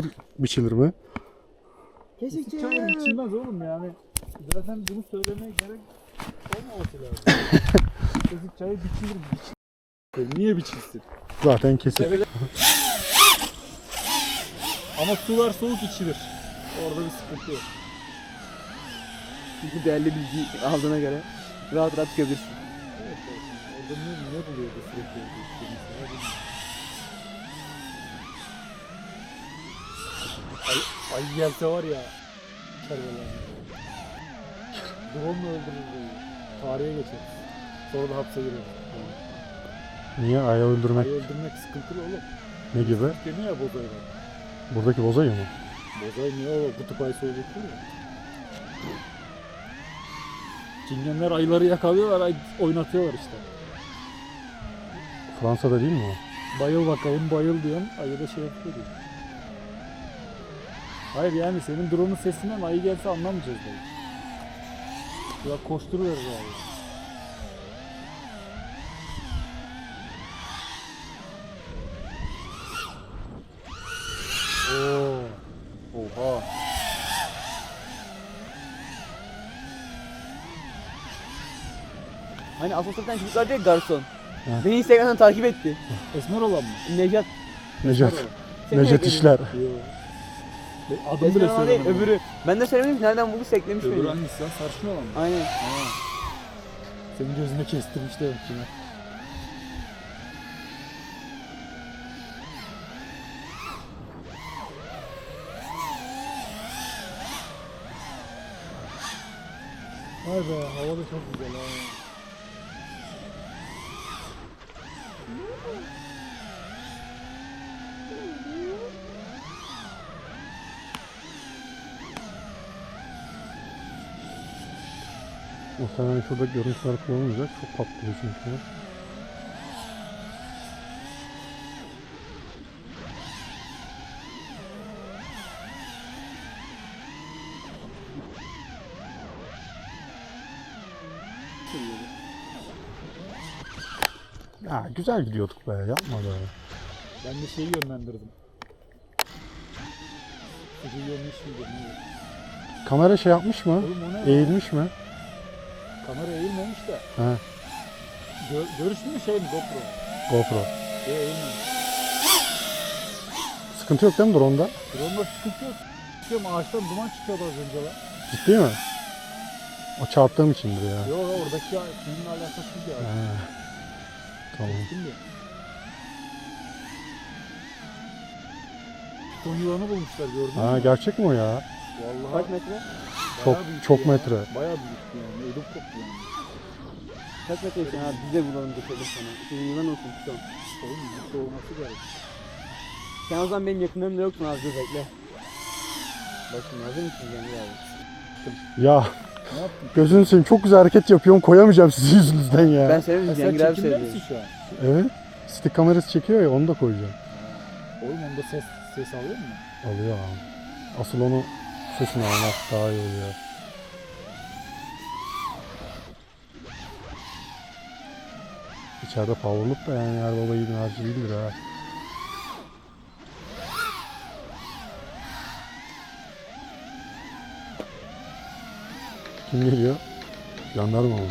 biçilir mi? Kesik çayır biçilmez oğlum yani. Zaten bunu söylemeye gerek olmaması lazım. Kesik çayır biçilir mi? Niye biçilsin? Zaten kesik. Evet. Ama sular soğuk içilir. Orada bir sıkıntı yok. Çünkü değerli bilgi aldığına göre rahat rahat çıkabilirsin. Evet, orada ne buluyor da sürekli orada içtiğimiz ya, bilmiyorum. Ay gelse var ya, çarbeler. Drone'la öldürür böyle. Tarihe geçer. Sonra da hapse girer. Niye ayı öldürmek? Ayı öldürmek sıkıntılı oğlum. Ne gibi? Deniyor ya bozayı. Buradaki bozayı mı? Bozay niye o kutup ayısı olacak ya? Çingenler ayıları yakalıyorlar, oynatıyorlar işte. Fransa'da değil mi o? Bayıl bakalım, bayıl diyorsun, ayı da şey yapıyor diyor. Hayır yani senin drone'un sesinden ayı gelse anlamayacağız belki. Ya koşturuyoruz abi. Oo. Oha. Hani asosyalden çocuk vardı ya garson. He. Beni Instagram'dan takip etti. Esmer olan mı? Necat. Necat. Seni Necdet ekledim. İşler. Yo. Adım Esmer bile olan değil, söylemedim. öbürü. Ben de söylemedim ki nereden bulduysa eklemiş Öbürü beni. hangisi lan? Sarışın olan mı? Aynen. Ha. Senin gözüne kestirmiş demek ki. Vay be, hava da çok güzel ha. Muhtemelen şurada görüntüler kullanılmayacak. Çok patlıyor çünkü. Ya güzel gidiyorduk be, yapma be. Ben de şeyi yönlendirdim. Sıcı yönmüş müydü? Kamera şey yapmış mı? Oğlum o ne? Eğilmiş mi? Kamera eğilmemiş de. He, Görüştün mü şey mi GoPro? GoPro. Eğilmemiş. Sıkıntı yok değil mi drone'da? Drone'da sıkıntı yok. Çıkıyorum ağaçtan duman çıkıyordu az önce lan. Ciddi mi? O çarptığım içindir ya. Yok oradaki seninle alakasız ya. He. Tamam. Şimdi. Piton yılanı bulmuşlar gördün mü? Ha, gerçek mi o ya? Vallahi Kaç metre? Çok bayağı büyük çok ya. metre. Bayağı büyük yani. Ödüm koptu yani. Kaç metre için abi biz de bulalım götürelim sana. Senin yılan olsun tutalım. Oğlum büyük olması gerek. Sen o zaman benim yakınlarımda yoksun az dur bekle. Bak şimdi hazır mısın Cemil abi? Ya Ne yaptın? gözünü seveyim, çok güzel hareket yapıyorum, koyamayacağım sizin yüzünüzden ya. Ben söylemedim Sen Cemil abi çekimde söyledi. misin şu an? Evet. Stick kamerası çekiyor ya, onu da koyacağım. Oğlum onda ses alıyor mu? Alıyor abi. Asıl onu sesini almak daha iyi oluyor. İçeride powerlık da yani her baba yiğidin harcı değildir ha. Kim geliyor? Jandarma mı?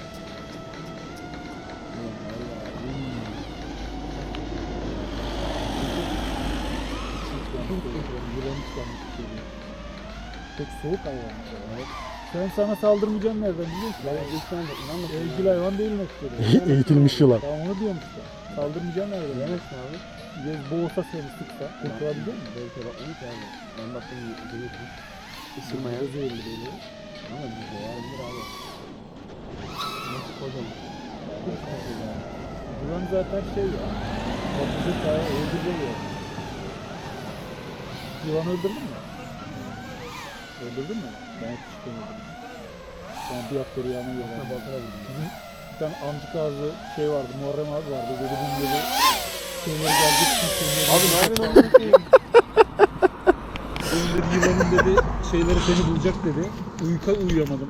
Yılanı çıkarmış geliyor. Çok soğuk hayvan. Sen sana saldırmayacağım nereden biliyorsun? Ben ilk sana da inanma. Evcil hayvan değil neticede. Eğitilmiş yılan. Tamam onu diyorum işte. Saldırmayacağım nereden? Yemezsin abi. Ya boğulsa seni sıksa kurtulabiliyor musun? Belki bakmamış abi. Ben baktım görüyorsun. Isırmaya. Isırmaya zehirli böyle. Ama bir de yarındır abi. Nasıl kocaman. Yılan zaten şey ya. Bakıcı kaya öldürüyor ya. Yılan öldürdün mü? Öldürdün mü? Ben hiç çıkamadım. Ben bir hafta rüyama yılan. Bizim bir tane amcık ağzı şey vardı, Muharrem abi vardı. Dedi bunun gibi şeyleri gelecek. Abi ne yapıyorsun oğlum? Benim dedi yılanın dedi şeyleri seni bulacak dedi. Uyuyamadım.